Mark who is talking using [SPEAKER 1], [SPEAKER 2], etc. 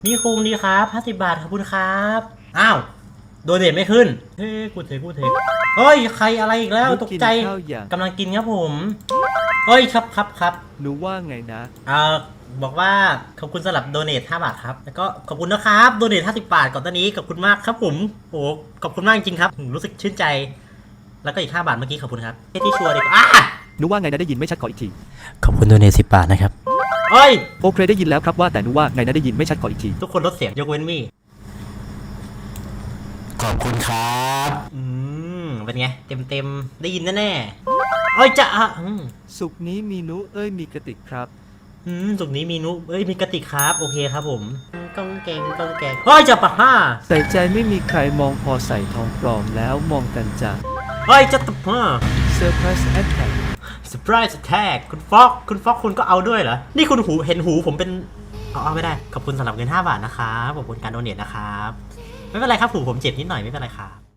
[SPEAKER 1] นี่คุงดีครับ50 บาทขอบคุณครับอ้าวโดเนทไม่ขึ้นเฮ้ยกูเทเฮ้ยใครอะไรอีกแล้วตกใจกำลังกินครับผมเฮ้ยครับ
[SPEAKER 2] หนูว่าไงนะ
[SPEAKER 1] บอกว่าขอบคุณสำหรับโดเนท5 บาทครับแล้วก็ขอบคุณนะครับโดเนท50 บาทก่อนตอนนี้ขอบคุณมากครับผมโอ้ขอบคุณมากจริงครับรู้สึกชื่นใจแล้วก็อีก5 บาทเมื่อกี้ขอบคุณครับที่ชัวร์ดีกว่า
[SPEAKER 2] หนูว่าไงนะได้ยินไม่ชัดขออีกที
[SPEAKER 1] ขอบคุณโดเนท10 บาทนะครับเฮ้ย
[SPEAKER 2] โอเคได้ยินแล้วครับว่าแต่หนูว่าไงนะได้ยินไม่ชัดขออีกที
[SPEAKER 1] ทุกคนลดเสียงยกเว้นมี่ขอบคุณครับเป็นไงเต็มได้ยินแน่ๆเอ้ยจะ
[SPEAKER 2] สุกนี้มีนุมีกระติกครับ
[SPEAKER 1] สุกนี้มีนุมีกระติกครับโอเคครับผมก้องแกงเฮ้ยจะปะ
[SPEAKER 2] ใส่ใจไม่มีใครมองพอใส่ทองปลอมแล้วมองกันจ้ะ
[SPEAKER 1] เฮ้ยจะตะ
[SPEAKER 2] เซอร์ไพรส์แอทแทก
[SPEAKER 1] Surprise Attack คุณฟอกคุณก็เอาด้วยเหรอนี่คุณเห็นหูผมเป็นเอาไม่ได้ขอบคุณสำหรับเงิน5 บาทนะครับขอบคุณการโดเนทนะครับไม่เป็นไรครับหูผมเจ็บนิดหน่อยไม่เป็นไรครับ